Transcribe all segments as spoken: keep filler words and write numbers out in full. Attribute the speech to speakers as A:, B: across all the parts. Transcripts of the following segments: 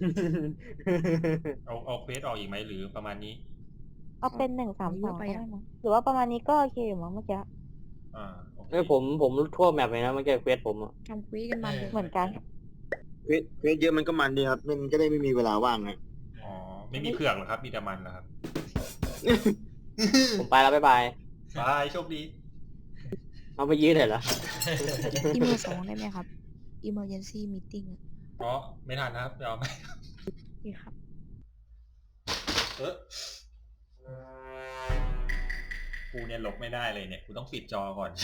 A: เอาเอาเควสออกอีกไหมหรือประมาณนี้
B: เอาเป็นหนึ่งสาม
C: เย
B: สอ
C: อะ
B: ง
C: ไป
B: ก็ได้
C: อ่ะ
B: มั้งหรือว่าประมาณนี้ก็โอเคอยู่มั้งเมื่อกี้
A: อ่าโอเค
D: เอ้ยผมผมทั่วแมปเลยนะเมื่อกี้เควสผมอะ
C: ทำคุยกันมันเลย
B: เหมือนกัน
E: เควสเควสเยอะมันก็มันดีครับมันก็ได้ไม่มีเวลาว่างไง
A: อ๋อไม่มีเผือกเหรอครับมีแต่มันเหรอครับ
D: ผมไปแล้วบ๊ายบาย
A: บายโชคดี
D: เอาไปยืดเลยเหรอ
C: อีเมลสองได้ไหมครับ emergency meeting อ่ะ
A: อ๋อไม่ทันนะครับเดี๋ยวเอาไหม
C: นี่ครับ
A: เออกูเนี่ยหลบไม่ได้เลยเนี่ยกูต้องปิดจอก่อน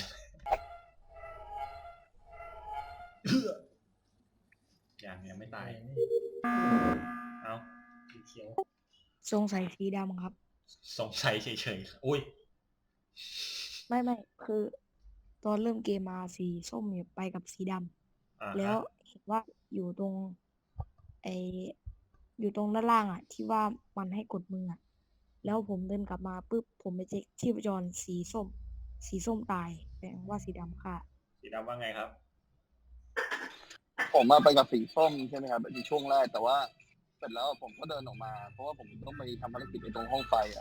A: อย่างยังไม่ตายเอาสีเขียว
C: สงสัยสีดำครับ
A: สงสัยเฉยๆอุ้ย
C: ไม่ไม่คือตอนเริ่มเกมมาสีส้มเนี่ยไปกับสีดำ
A: อ่า
C: แล้วเห็นว่าอยู่ตรงไออยู่ตรงด้านล่างอ่ะ ที่ว่ามันให้กดมืออ่ะแล้วผมเดินกลับมาปุ๊บผมไปเช็คชีพจรสีส้ม สีส้มตายแปลว่าสีดำค่ะ
A: สีดำว่าไงครับ
F: ผมมาไปกับสีส้มใช่ไหมครับในช่วงแรกแต่ว่าเสร็จแล้วผมก็เดินออกมา เพราะว่าผมต้องไปทำภารกิจในตรงห้องไฟอ่ะ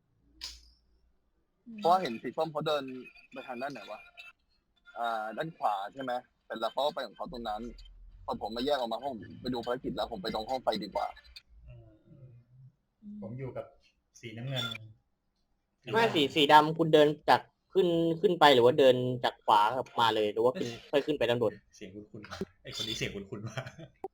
F: เพราะว่าเห็นสีส้มเขาเดินไปทางด้านไหนวะอ่า ด้านขวาใช่ไหมเสร็จแล้วเขาก็ไปของเขาตรงนั้นพอผมมาแยกออกมาห้องไปดูภารกิจแล้วผมไปตรงห้องไฟดีกว่า
A: ผมอยู่กับสีน้ำเงิน
D: ไม่สีสีดำคุณเดินจากขึ้นขึ้นไปหรือว่าเดินจากขวามาเลยหรือว่าขึ้นค่อยขึ้นไปด้านบน
A: เสียงคุณคุณไอคนนี้เสียงคุณคุณมาก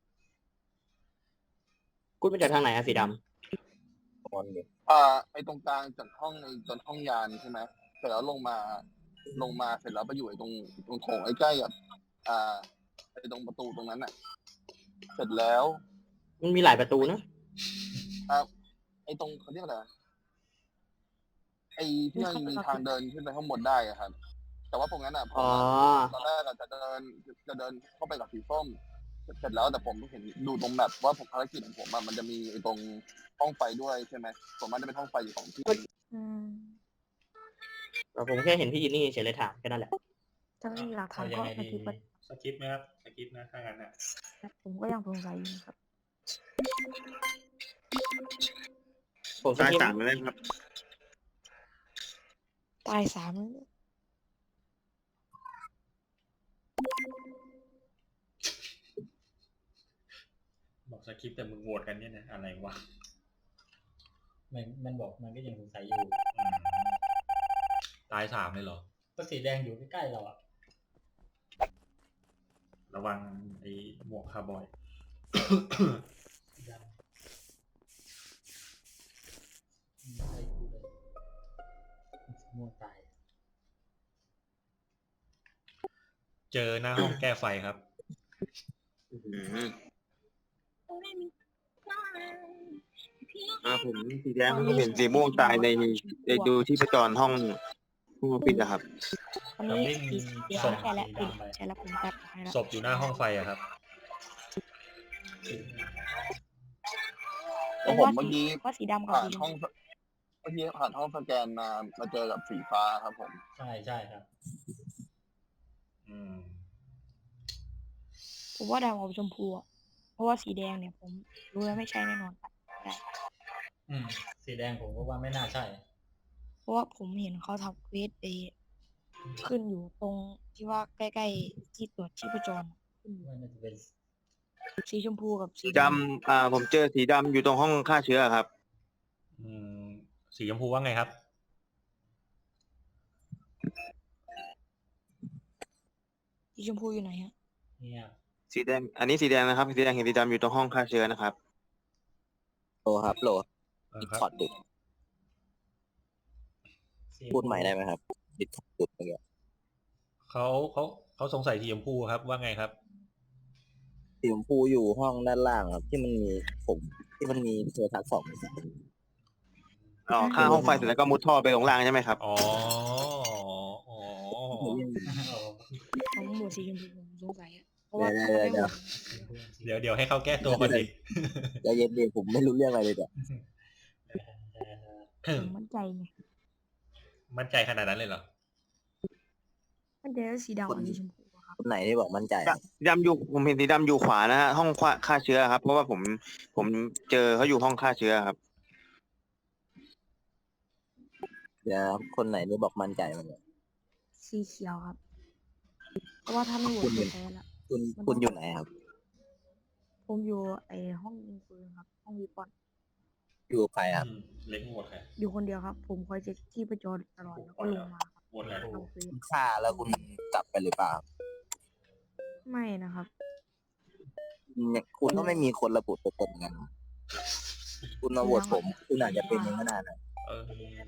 D: คุณไปจากทางไหนอะสีดำ
F: อ่าไอตรงกลางจากห้องในจนห้องยานใช่ไหมเสร็จแล้วลงมาลงมาเสร็จแล้วไปอยู่ไอตรงตรงโถงใกล้ๆกับอ่าไอตรงประตูตรงนั้นอ่ะ เสร็จแล้ว
D: มันมีหลายประตูนะ
F: อ่าไอตรงเขาเรียกอะไรไอที่มันมีทางเดินขึ้นไปข้างบนได้อะครับ แต่ว่าตรงนั้นอ่ะผม
D: อ๋อ
F: ตอนแรกอะจะเดินจะเดินเข้าไปกับสีส้ม เสร็จแล้วแต่ผมเห็นดูตรงแบบว่าผมภารกิจของผมอะมันจะมีไอตรงห้องไฟด้วยใช่ไหมผมมันจะเป็นห้องไฟอยู่สองที่
C: อืม
D: แต่ผมแค่เห็นพี่ยินนี่เฉยเลยถามแค่นั้นแหละ
C: ถ้าไม่มีหลักฐาน
A: เอายั
C: ก็
A: งไง
C: ส
A: ดี
C: กิปไป
A: สกิปไหมครับสกิปนะถ้างั้นอ่ะ
C: ผมก็ยังสงสัยอยู่ครับ
D: ผมส
E: ตาย
D: กิป
E: สามเลยครับ
C: ตายสามแล้ว
A: บอกสคริปต์แต่มึงโหวตกันเนี่ยนะอะไรวะ
G: มันมันบอกมันก็ยังสงสัยอยู่
A: อืมตายสามเลยเหรอ
G: ก็สีแดงอยู่ใกล้ๆเราอ่ะ
A: ระวังไอ้หมวกคาร์บอย
G: สีดำไม่ใช่กูเลยสีม่วงตาย
A: เจอหน้าห้องแก้ไฟครับ
E: อืมอ่าผมสีแดงผมเห็นสีม่วงตายในในดูที่ประจรห้องห้องปิดนะครับ
C: อันนี้
A: วิ่ง
C: สีเดียว
A: ส่ง
C: ใช่แล้วปิดใช่แล้วผมตัดให้แล้ว
A: ศพอยู่หน้าห้องไฟอะครับ
F: แล้วผมเมื่อกี้
C: ว่าสีดำกับ
F: ผ่าน
C: สี
F: ห้องเมื่อกี้ผ่านห้องสแกนมามาเจอกับสีฟ้าครับผม
G: ใช่ใช่ครับ
A: อืม
C: ผมว่าดำกับชมพูอะเพราะว่าสีแดงเนี่ยผมรู้แล้วไม่ใช่แน่นอนได้
G: อืมสีแดงผมก็ว่าไม่น่าใช่
C: เพราะว่าผมเห็นเขาทำเควสไปขึ้นอยู่ตรงที่ว่าใกล้ๆที่ตรวจชีพจรขึ้นอยู่
G: ว่าน่าจะเป็น
C: สีชมพูกับสี
E: ดำอ่าผมเจอสีดำอยู่ตรงห้องฆ่าเชื้อครับ
A: อืมสีชมพูว่าไงครับ
C: สีชมพูอยู่ไหนฮะ
G: เนี่ย
E: สีแดง อันนี้สีแดงนะครับ สีแดงเห็นสีดำอยู่ตรงห้องฆ่าเชื้อนะครับ
H: โลครับโล
A: เออ
H: ดิส
A: ครับ
H: คอร์ดดุด
G: สี
H: พูดใหม่ได้ไหมครับดิสคอร์ดดุดเมื่อกี้
A: เขาเขาเขาสงสัยสีชมพูครับว่าไงครับ
H: สีชมพูอยู่ห้องด้านล่างครับ ที่มันมีผมที่มันมีโทรทัศน์สอง
E: อ๋อฆ่าห้องไฟเสร็จแล้วก็มุดท่อไปลงล่างใช่ไหมครับ
A: อ๋ออ๋อ
C: ผมหมวดสีชมพูผมสงสัยอะเพราะว่า
H: เดี๋ยว
C: เขาไม่โหวต
A: เดี๋ยวเดี๋ยวให้เขาแก้ตัวก่อนดิ
H: ใจเย็นๆผมไม่รู้เรื่องอะไรเลยเนี่ย
C: ผมมั่นใจไง
A: มั่นใจขนาดนั้นเลยเหรอ
C: มั่นใจว่าสีดำกับสีชมพูอะครับ
H: คนไหนที่บอกมั่นใจอะ
E: สีดำอยู่ผมเห็นสีดำอยู่ขวานะฮะห้องฆ่าเชื้อครับ เพราะว่าผมผมเจอเขาอยู่ห้องฆ่าเชื้อครับ
H: เดี๋ยวคนไหนที่บอกมั่นใจมันเนี่ย
C: สีเขียวครับ เพราะว่าถ้าไม่โหว
H: คุ
C: ต
H: ณ
C: คือแพ้ละ
H: คุณคุณอยู่ไหนครับ
C: ผมอยู่ไอห้องยิงปืนครับ ห้องวีปอน
H: อยู่ใครครับ
A: อืมเล็กหมดใคร
C: อยู่คนเดียวครับ ผมคอยเช็คที่ประจรตลอดแล้วก็ลงมาครับ
A: หมดแล้ว
C: ทำเฟซ
H: ฆ่าแล้วคุณกลับไปหรือเปล่าครับ
C: ไม่นะครับ
H: เนี่ยคุณก็ไม่มีคนระบุตัวตนกัน คุณมาโหวตผม คุณอาจจะเป็นอย่างนั้นนะ
A: เออ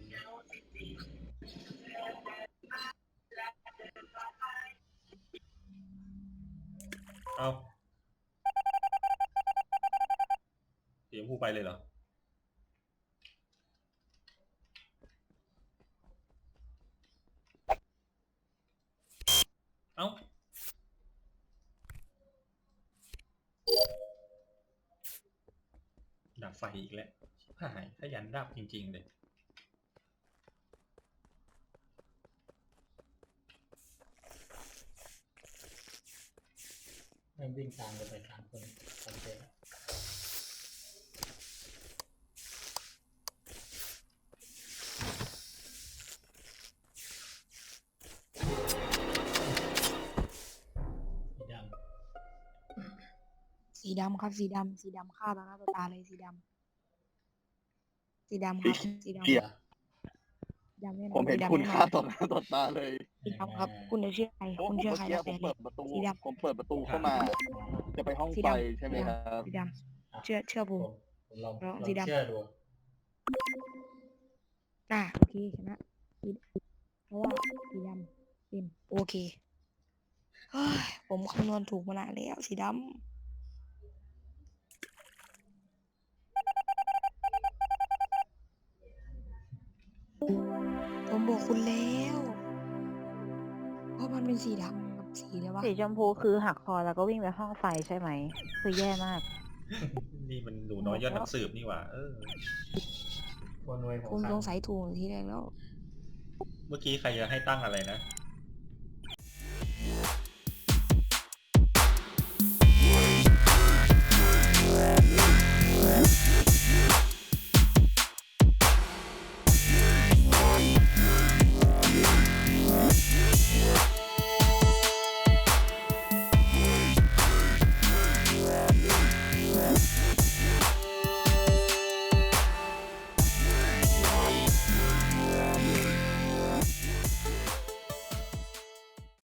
A: เอาเสียงผู้ไปเลยเหรอ เอ้า ดับไฟอีกแล้วชิบหายขยันดับจริง ๆ เลย
G: แม่งวิ่งตามกันไปสามคนสามเจ๊สีดำ
C: สีดำครับ สีดำสีดำฆ่าต่อหน้าต่อตาเลยสีดำสีดำครับสีดำ
F: เกีย
C: สีดำแน่นอน
F: ผมเห็น
C: สีดำ
F: คุณ
C: แน่น
F: ฆ่า
C: อน
F: ต่อหน้าต่อตาเลย
C: สีดำครับ คุณจะเชื่อใคร
F: เพราะ
C: คุณ
F: ผม
C: เชื่อ
F: เมื่อ
C: ใคร
F: กี้
C: แล้ว
F: ผ
C: แต่
F: ม
C: เล
F: เปิ
C: ย
F: ดประตู
C: สีดำ
F: ผมเปิดประตูเข้ามา จะไปห้อง
C: สี
F: ไฟ
C: ดำ
F: ใช่ไหมครับ
C: สีดำเชื่อเชื่อผม
G: ผมผมลอง
C: ลอง
G: ลอง
C: สีดำ
G: เชื่อดู
C: อ่ะโอเคชนะสีเพราะว่าสีดำเป็นโอเคเฮ้ยผมคำนวณถูกมานานแล้วสีดำผมบอกคุณแล้วเพราะมันเป็นสีดำกับสีเลยวะ
B: สีชมพูคือหักคอแล้วก็วิ่งไปห้องไฟใช่ไหม คือแย่มาก
A: นี่มันหนูน้อยยอดนักสืบนี่หว่า เออ
G: คนรวยหัว
C: ผม
G: ขา
C: ส
G: ด
C: งสัยถูกทีแรกแล้ว
A: เมื่อกี้ใครจะให้ตั้งอะไรนะ